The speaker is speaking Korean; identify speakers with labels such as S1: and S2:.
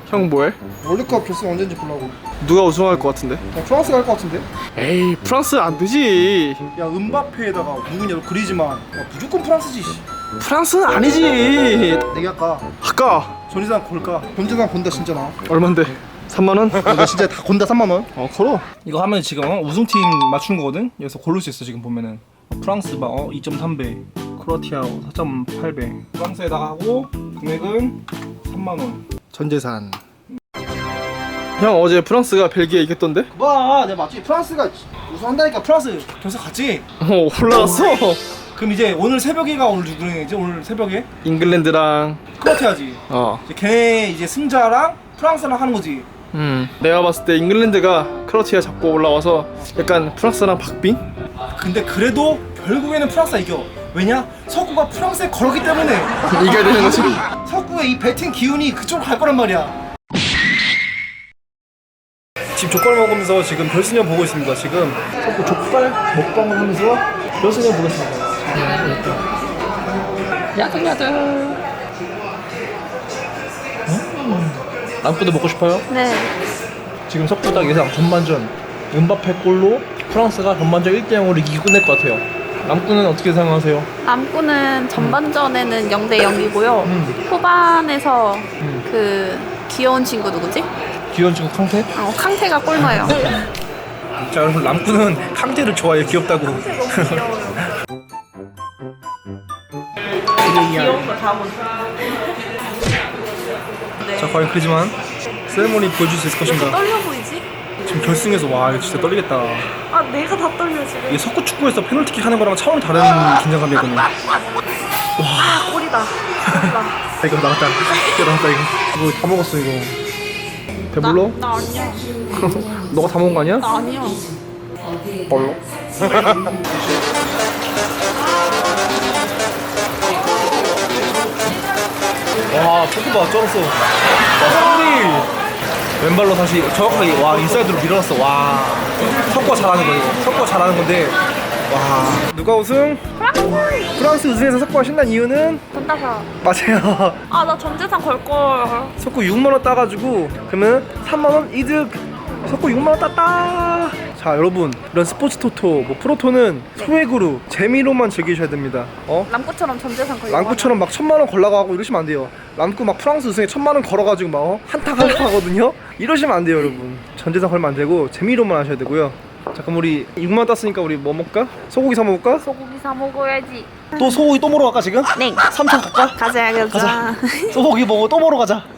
S1: 형 뭐해?
S2: 월드컵 결승 언제인지 보려고.
S1: 누가 우승할 것 같은데?
S2: 프랑스가 할 것 같은데?
S1: 에이 프랑스 안 되지.
S2: 야 음바페에다가 누구냐 그리즈만. 야, 무조건 프랑스지.
S1: 프랑스는 아니지.
S2: 내기할까?
S1: 아까
S2: 전재산 걸까? 전재산 건다 진짜 나.
S1: 얼만데? 3만 원?
S2: 나 진짜 다 건다 3만 원.
S1: 걸어.
S3: 이거 하면 지금 우승팀 맞추는 거거든? 여기서 고를 수 있어. 지금 보면은 프랑스 봐 2.3배, 크로아티아 4.8배. 프랑스에다가 하고 금액은 3만원.
S1: 전재산. 형 어제 프랑스가 벨기에 이겼던데?
S2: 봐, 내가 맞지? 프랑스가 우승한다니까. 프랑스 결승 갔지?
S1: 올라갔어.
S2: 그럼 이제 오늘 새벽에가 오늘 누구지? 오늘 새벽에
S1: 잉글랜드랑
S2: 크로아티아지. 이제 걔네 이제 승자랑 프랑스랑 하는 거지.
S1: 내가 봤을 때 잉글랜드가 크로아티아 잡고 올라와서 약간 프랑스랑 박빙?
S2: 근데 그래도 결국에는 프랑스가 이겨. 왜냐? 석구가 프랑스에 걸었기 때문에.
S1: 이겨야 되는 거지.
S2: 석구의 이 배팅 기운이 그쪽으로 갈 거란 말이야. 지금 족발 먹으면서 지금 결승전 보고 있습니다. 지금 석구 족발 먹방을 하면서 결승전 보겠습니다.
S3: 야들야들. 남구도 먹고 싶어요?
S4: 네.
S3: 지금 석구딱 예상 전반전 음바페 골로 프랑스가 전반전 1대0으로 이기고 끝낼 것 같아요. 남구는 어떻게 생각하세요?
S4: 남구는 전반전에는 0대 0이고요. 후반에서 그 귀여운 친구 누구지?
S3: 귀여운 친구 캉테?
S4: 캉테가 골 넣어요.
S3: 자 여러분 남구는 캉테를 좋아해요. 귀엽다고.
S4: 귀여운 거 다 못.
S3: 자 과연 그리지만 세레모니 보여줄 수 있을 것인가?
S4: 떨려 보이지?
S3: 지금 결승에서 와 이거 진짜 떨리겠다.
S4: 아 내가 다 떨려 지금.
S3: 이게 석구 축구에서 페널티킥 하는 거랑 차원이 다른 긴장감이거든요.
S4: 아 골이다. 골이다.
S3: 이거 나갔다. 이거 나갔다 이거. 이거 다 먹었어 이거. 배불러?
S4: 나 아니야.
S3: 너가 다 먹은 거 아니야?
S4: 나 아니야.
S3: 뭘로? 와 포크바 쩔었어. 와 상리 왼발로 다시 정확하게 와 인사이드로 밀어놨어. 와 석구가 잘하는 거 이거. 석구가 잘하는 건데 와 누가 우승? 프랑스 우승해서 석구가 신난 이유는?
S4: 혼자서.
S3: 맞아요.
S4: 아 나 전재산 걸 걸.
S3: 석구 6만원 따가지고 그러면 3만원 이득. 석구 6만원 땄다. 자 여러분 이런 스포츠 토토 뭐 프로토는 소액으로 재미로만 즐기셔야 됩니다.
S4: 남구처럼 전재산 걸.
S3: 람쿠처럼 막 1000만원 걸라고 이러시면 안 돼요. 람쿠 막 프랑스 우승에 1000만원 걸어가지고 막 한타 하거든요. 이러시면 안 돼요 여러분. 전재산 걸면 안 되고 재미로만 하셔야 되고요. 자 그럼 우리 6만원 땄으니까 우리 뭐 먹을까? 소고기 사 먹을까?
S4: 소고기 사 먹어야지.
S3: 또 소고기 또 먹으러 갈까 지금?
S4: 네.
S3: 3천 갈까?
S4: 가자.
S3: 소고기 먹고 또 먹으러 가자.